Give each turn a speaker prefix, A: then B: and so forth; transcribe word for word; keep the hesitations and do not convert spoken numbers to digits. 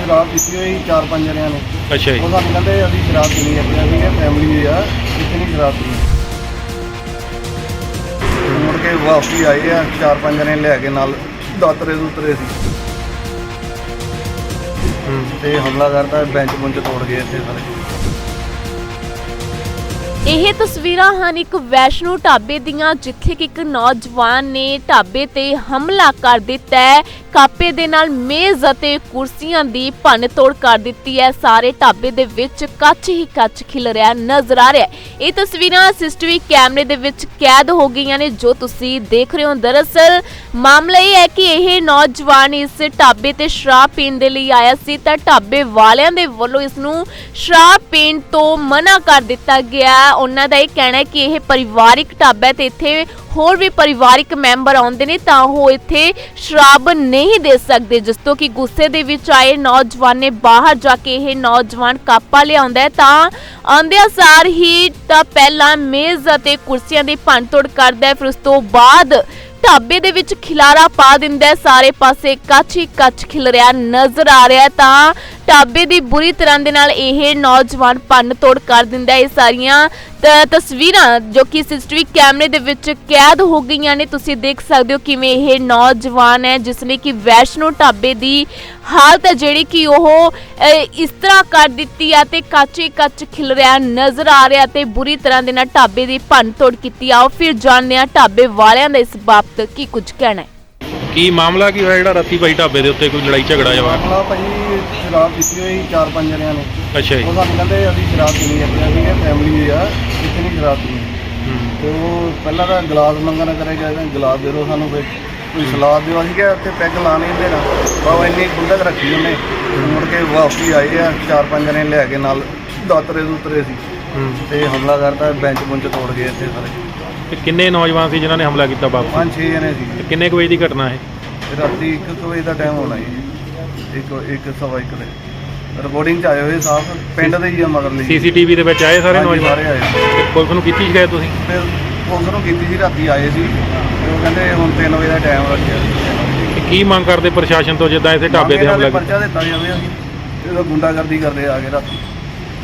A: शराब पीती हुई चार पांच जणियां ने।
B: अच्छा जी।
A: वो सानू कहंदे असीं शराब पीनी है, असीं कहा फैमिली है इतनी शराब पीनी। मुड़ के वापसी आए हैं चार पांच जने लैके नाल दातरे दूतरे सी ते हमला करता बेंच बुंच तोड़ गए इत्थे सारे।
C: ਇਹ ਤਸਵੀਰਾਂ ਹਨ ਇੱਕ ਵੈਸ਼ਨੂ ਢਾਬੇ ਦੀਆਂ, ਜਿੱਥੇ ਕਿ ਇੱਕ ਨੌਜਵਾਨ ਨੇ ਢਾਬੇ ਤੇ ਹਮਲਾ ਕਰ ਦਿੱਤਾ ਹੈ। ਕਾਪੇ ਦੇ ਨਾਲ ਮੇਜ਼ ਅਤੇ ਕੁਰਸੀਆਂ ਦੀ ਭੰਨ ਤੋੜ ਕਰ ਦਿੱਤੀ ਹੈ। ਸਾਰੇ ਢਾਬੇ ਦੇ ਵਿੱਚ ਕੱਚ ਹੀ ਕੱਚ ਖਿਲ ਰਿਹਾ ਨਜ਼ਰ ਆ ਰਿਹਾ ਹੈ। ਇਹ ਤਸਵੀਰਾਂ ਸੀਸੀਟੀਵੀ ਕੈਮਰੇ ਦੇ ਵਿੱਚ ਕੈਦ ਹੋ ਗਈਆਂ ਨੇ, ਜੋ ਤੁਸੀਂ ਦੇਖ ਰਹੇ ਹੋ। ਦਰਅਸਲ ਮਾਮਲਾ ਇਹ ਹੈ ਕਿ ਇਹ ਨੌਜਵਾਨ ਇਸ ਢਾਬੇ ਤੇ ਸ਼ਰਾਬ ਪੀਣ ਦੇ ਲਈ ਆਇਆ ਸੀ, ਤਾਂ ਢਾਬੇ ਵਾਲਿਆਂ ਦੇ ਵੱਲੋਂ ਇਸ ਨੂੰ ਸ਼ਰਾਬ ਪੀਣ ਤੋਂ ਮਨਾ ਕਰ ਦਿੱਤਾ ਗਿਆ। ਉਹਨਾਂ ਦਾ ਇਹ ਕਹਿਣਾ ਹੈ ਕਿ ਇਹ ਪਰਿਵਾਰਿਕ ਢਾਬਾ ਹੈ ਤੇ ਇੱਥੇ ਹੋਰ ਵੀ ਪਰਿਵਾਰਿਕ ਮੈਂਬਰ ਆਉਂਦੇ ਨੇ, ਤਾਂ ਉਹ ਇੱਥੇ ਸ਼ਰਾਬ ਨਹੀਂ ਦੇ ਸਕਦੇ। ਜਿਸ ਤੋਂ ਕਿ ਗੁੱਸੇ ਦੇ ਵਿੱਚ ਆਏ ਨੌਜਵਾਨ ਨੇ ਬਾਹਰ ਜਾ ਕੇ ਇਹ ਨੌਜਵਾਨ ਕਾਪਾ ਲਿਆਉਂਦਾ ਹੈ, ਤਾਂ ਆਉਂਦਿਆਂ ਸਾਰ ਹੀ ਤਾਂ ਪਹਿਲਾਂ ਮੇਜ਼ ਅਤੇ ਕੁਰਸੀਆਂ ਦੀ ਭੰਨ ਤੋੜ ਕਰਦਾ ਹੈ, ਫਿਰ ਉਸ ਤੋਂ ਬਾਅਦ ਢਾਬੇ ਦੇ ਵਿੱਚ ਖਿਲਾਰਾ ਪਾ ਦਿੰਦਾ ਹੈ। ਸਾਰੇ ਪਾਸੇ ਕੱਚ ਹੀ ਕੱਚ ਖਿਲ ਰਿਹਾ ਨਜ਼ਰ ਆ ਰਿਹਾ, ਤਾਂ ਢਾਬੇ ਦੀ ਬੁਰੀ ਤਰ੍ਹਾਂ ਦੇ ਨਾਲ ਇਹ ਨੌਜਵਾਨ ਭੰਨ ਤੋੜ ਕਰ ਦਿੰਦਾ ਹੈ। ਇਹ ਸਾਰੀਆਂ ਤਸਵੀਰਾਂ ਜੋ ਕਿ ਸੀਸੀਟੀਵੀ ਕੈਮਰੇ ਦੇ ਵਿੱਚ ਕੈਦ ਹੋ ਗਈਆਂ ਨੇ, ਤੁਸੀਂ ਦੇਖ ਸਕਦੇ ਹੋ ਕਿਵੇਂ ਇਹ ਨੌਜਵਾਨ ਹੈ ਜਿਸ ਨੇ ਕਿ ਵੈਸ਼ਨੂ ਢਾਬੇ ਦੀ ਹਾਲਤ ਹੈ ਜਿਹੜੀ ਕਿ ਉਹ ਇਸ ਤਰ੍ਹਾਂ ਕਰ ਦਿੱਤੀ ਆ ਤੇ ਕੱਚ ਹੀ ਕੱਚ ਖਿਲ ਰਿਹਾ ਨਜ਼ਰ ਆ ਰਿਹਾ ਤੇ ਬੁਰੀ ਤਰ੍ਹਾਂ ਦੇ ਨਾਲ ਢਾਬੇ ਦੀ ਭੰਨ ਤੋੜ ਕੀਤੀ। ਆਓ ਫਿਰ ਜਾਣਦੇ ਹਾਂ ਢਾਬੇ ਵਾਲਿਆਂ ਦਾ ਇਸ ਬਾਬਤ ਕੀ ਕੁਝ ਕਹਿਣਾ ਹੈ।
B: ਕੀ ਮਾਮਲਾ ਕੀ ਹੋਇਆ ਜਿਹੜਾ ਰਾਤੀ ਭਾਈ ਢਾਬੇ ਦੇ ਉੱਤੇ ਕੋਈ ਲੜਾਈ ਝਗੜਾ ਹੋਇਆ?
A: ਮਾਮਲਾ ਭਾਜੀ ਸ਼ਰਾਬ ਪੀਤੀ ਹੋਈ ਚਾਰ ਪੰਜ ਜਣਿਆਂ ਨੇ।
B: ਅੱਛਾ ਜੀ।
A: ਉਹ ਸਾਨੂੰ ਕਹਿੰਦੇ ਅਸੀਂ ਸ਼ਰਾਬ ਪੀਣੀ ਹੈ, ਅਸੀਂ ਕਹਾ ਫੈਮਿਲੀ ਆ ਇਤਨੀ ਸ਼ਰਾਬ ਪੀਣੀ। ਤੇ ਉਹ ਪਹਿਲਾਂ ਤਾਂ ਗਲਾਸ ਮੰਗਣਾ ਕਰੇਗਾ, ਗਲਾਸ ਦੇ ਦਿਓ ਸਾਨੂੰ, ਕੋਈ ਕੋਈ ਸਲਾਦ ਦਿਓ। ਅਸੀਂ ਕਿਹਾ ਉੱਥੇ ਪੈਗ ਲਾ ਨਹੀਂ ਦੇਣਾ, ਬਾਬਾ ਇੰਨੀ ਗੁੰਡਕ ਰੱਖੀ ਉਹਨੇ। ਮੁੜ ਕੇ ਵਾਪਸੀ ਆਏ ਆ ਚਾਰ ਪੰਜ ਜਣੇ ਲੈ ਕੇ ਨਾਲ ਦਾਤਰੇ ਦੂਤਰੇ ਸੀ ਤੇ ਹਮਲਾ ਕਰਤਾ, ਬੈਂਚ ਬੁੰਚ ਤੋੜ ਗਏ ਇੱਥੇ ਸਾਰੇ।
B: ਤੇ ਕਿੰਨੇ ਨੌਜਵਾਨ ਸੀ ਜਿਨ੍ਹਾਂ ਨੇ ਹਮਲਾ ਕੀਤਾ ਬਾਬੂ?
A: ਪੰਜ ਛੇ ਜਣੇ ਸੀ।
B: ਤੇ ਕਿੰਨੇ ਕੁ ਵਜੇ ਦੀ ਘਟਨਾ ਹੈ?
A: ਰਾਤੀ ਇੱਕ ਕੁ ਵਜੇ ਦਾ ਟਾਈਮ ਹੋਣਾ ਜੀ, ਇੱਕ ਇੱਕ ਸਵਾ ਇੱਕ ਦੇ। ਰਿਪੋਰਟਿੰਗ 'ਚ ਆਏ ਹੋਏ ਸਾਫ ਪਿੰਡ ਦੇ ਹੀ ਆ ਮਗਰ ਲਈ।
B: ਸੀਸੀਟੀਵੀ ਦੇ ਵਿੱਚ ਆਏ ਸਾਰੇ ਨੌਜਵਾਨ?
A: ਸਾਰੇ ਆਏ।
B: ਤੇ ਪੁਲਿਸ ਨੂੰ ਕੀਤੀ ਸ਼ਿਕਾਇਤ ਤੁਸੀਂ?
A: ਫਿਰ ਪੁਲਿਸ ਨੂੰ ਕੀਤੀ ਸੀ, ਰਾਤੀ ਆਏ ਸੀ ਤੇ ਉਹ ਕਹਿੰਦੇ ਹੁਣ ਤਿੰਨ ਵਜੇ ਦਾ ਟਾਈਮ ਰੱਖਿਆ।
B: ਤੇ ਕੀ ਮੰਗ ਕਰਦੇ ਪ੍ਰਸ਼ਾਸਨ ਤੋਂ ਜਿੱਦਾਂ ਇੱਥੇ ਢਾਬੇ ਤੇ ਹਮਲਾ ਕੀਤਾ?
A: ਪਰਚਾ ਦਿੱਤਾ ਜਾਵੇ, ਅਸੀਂ ਇਹ ਗੁੰਡਾਗਰਦੀ ਕਰਦੇ ਆ ਕੇ ਰਾਤੀ।